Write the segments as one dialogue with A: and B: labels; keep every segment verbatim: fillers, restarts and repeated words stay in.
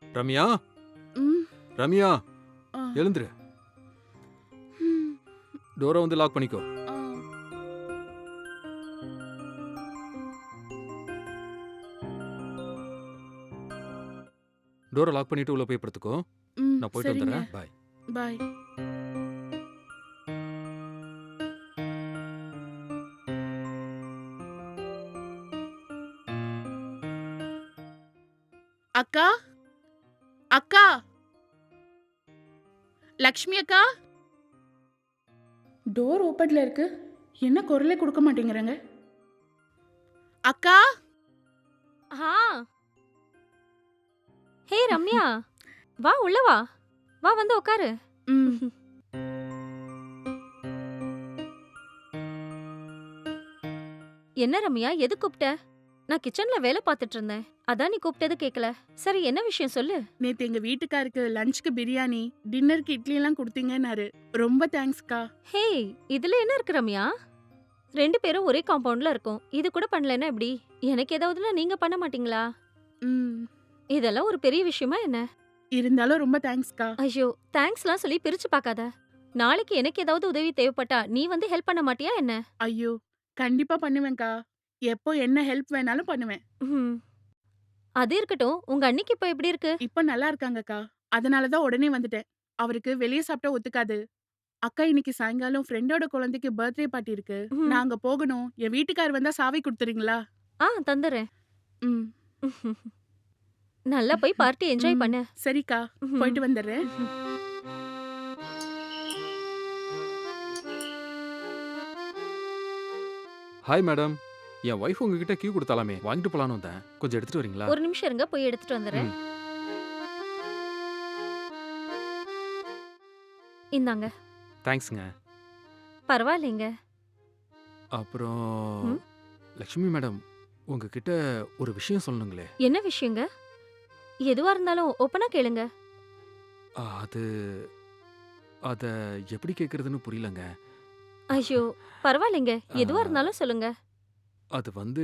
A: ரம்யா,
B: ம்,
A: ரம்யா,
B: ஆ,
A: எழுந்துரு.
B: ம்,
A: டோரை வந்து லாக் பண்ணிக்கோ.
B: ஆ.
A: டோரை லாக் பண்ணிட்டு உள்ள போய் படுத்துக்கோ.
B: ம்,
A: நான் போயிட்டு
B: சரிங்க.
A: வந்துடுறேன். பாய்.
B: பாய். அக்கா, அக்கா, லக்ஷ்மி அக்கா. டோர் ஓப்பன்ல இருக்கு. என்ன குரலே கொடுக்க மாட்டேங்கிறாங்க. அக்கா.
C: ஆ ஹே ரம்யா, வா உள்ள வா. வா வந்து உட்காரு.
B: ம்,
C: என்ன ரம்யா, எது கூப்பிட்ட? நான் கிச்சன்ல வேலை பார்த்துட்டு இருந்தேன். அதான் நீ கூப்பிட்டது கேட்கல. சரி, என்ன விஷயம் சொல்லு.
B: நேத்து எங்க வீட்டுக்காருக்கு லஞ்சுக்கு பிரியாணி, டின்னருக்கு இட்லி எல்லாம் கொடுத்தீங்கன்னாரு. ரொம்ப தேங்க்ஸ்க்கா.
C: ஹே, இதுல என்ன இருக்கு ரம்யா? ரெண்டு பேரும் ஒரே காம்பவுண்ட்ல இருக்கோம். இது கூட பண்ணலன்னா எப்படி? எனக்கு ஏதாவதுன்னா நீங்க பண்ண மாட்டீங்களா?
B: ம்,
C: இதெல்லாம் ஒரு பெரிய விஷயமா என்ன?
B: இருந்தாலும் ரொம்ப தேங்க்ஸ்க்கா.
C: ஐயோ, தேங்க்ஸ்லாம் சொல்லி பிரிச்சு பார்க்காத. நாளைக்கு எனக்கு ஏதாவது உதவி தேவைப்பட்டா நீ வந்து ஹெல்ப் பண்ண மாட்டியா என்ன?
B: ஐயோ, கண்டிப்பா பண்ணுவேன்க்கா. எப்போ என்ன ஹெல்ப் வேணாலும் பண்ணுவேன்.
C: ம். அது இருக்கட்டும், உங்க அண்ணிக்கு இப்ப எப்படி இருக்கு?
B: இப்ப நல்லா இருக்காங்கக்கா. அதனால தான் உடனே வந்துட்டேன். அவருக்கு வெளிய சாப்பிட்டா ஒத்துக்காது. அக்கா இன்னைக்கு சாயங்காலம் ஃப்ரெண்டோட குழந்தைக்கு பர்த்டே பார்ட்டி இருக்கு.
C: ம்.
B: நான் அங்க போகணும். என் வீட்டுக்கார் வந்தா சாவி குடுத்துறீங்களா?
C: ஆ, தந்துடுறேன்.
B: ம்.
C: நல்லா போய் பார்ட்டி என்ஜாய்
B: ம்.
C: பண்ணு.
B: சரிக்கா. போயிட்டு வந்துடுறேன்.
A: Hi madam. என் ஒய்ஃப் உங்ககிட்ட கீ கொடுத்தாலாமே, வாங்கிட்டு போலான்னு வந்தேன். கொஞ்சம் எடுத்துட்டு வரீங்களா?
C: ஒரு நிமிஷம் இருங்க, போய் எடுத்துட்டு வந்துடுறேன்.
A: ம்.
C: இந்தாங்க.
A: தேங்க்ஸ்ங்க.
C: பரவாயில்லைங்க.
A: அப்புறம்
C: ம்?
A: லக்ஷ்மி மேடம், உங்ககிட்ட ஒரு விஷயம் சொல்லணுங்களே.
C: என்ன விஷயங்க? எதுவா இருந்தாலும் ஓப்பனா கேளுங்க.
A: ஆ, அது அத எப்படி கேட்கறதுன்னு புரியலங்க.
C: ஐயோ, பரவாயில்லைங்க.
A: ஆ,
C: எதுவா இருந்தாலும் சொல்லுங்க. அது
A: அது வந்து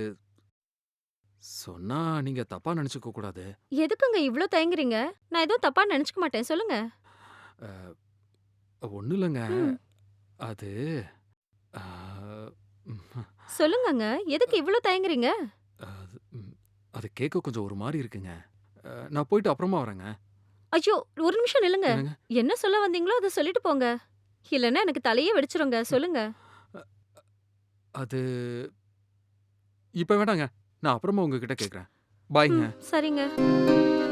A: சொன்னா நீங்க தப்பா நினைச்சுக்க கூடாது.
C: எதுக்குங்க இவ்ளோ தயங்குறீங்க? நான் எதுவும் தப்பா நினைச்சுக்க மாட்டேன். சொல்லுங்க.
A: ஒன்றும் இல்லைங்க.
C: ம்.
A: அது ஆ, ம்,
C: சொல்லுங்கங்க. எதுக்கு இவ்ளோ தயங்குறீங்க?
A: அது ம், அது கேட்க கொஞ்சம் ஒரு மாதிரி இருக்குங்க. அ, நான் போயிட்டு அப்புறமா வரேங்க.
C: ஐயோ, ஒரு நிமிஷம் நில்லுங்க.
A: என்னங்க?
C: என்ன சொல்ல வந்தீங்களோ அத சொல்லிட்டு போங்க. இல்லன்னா எனக்கு தலையே வெடிச்சிருங்க. சொல்லுங்க.
A: அது இப்ப வேண்டாங்க. நான் அப்புறமா உங்ககிட்ட கேட்குறேன். பாய்ங்க.
C: ம், சரிங்க.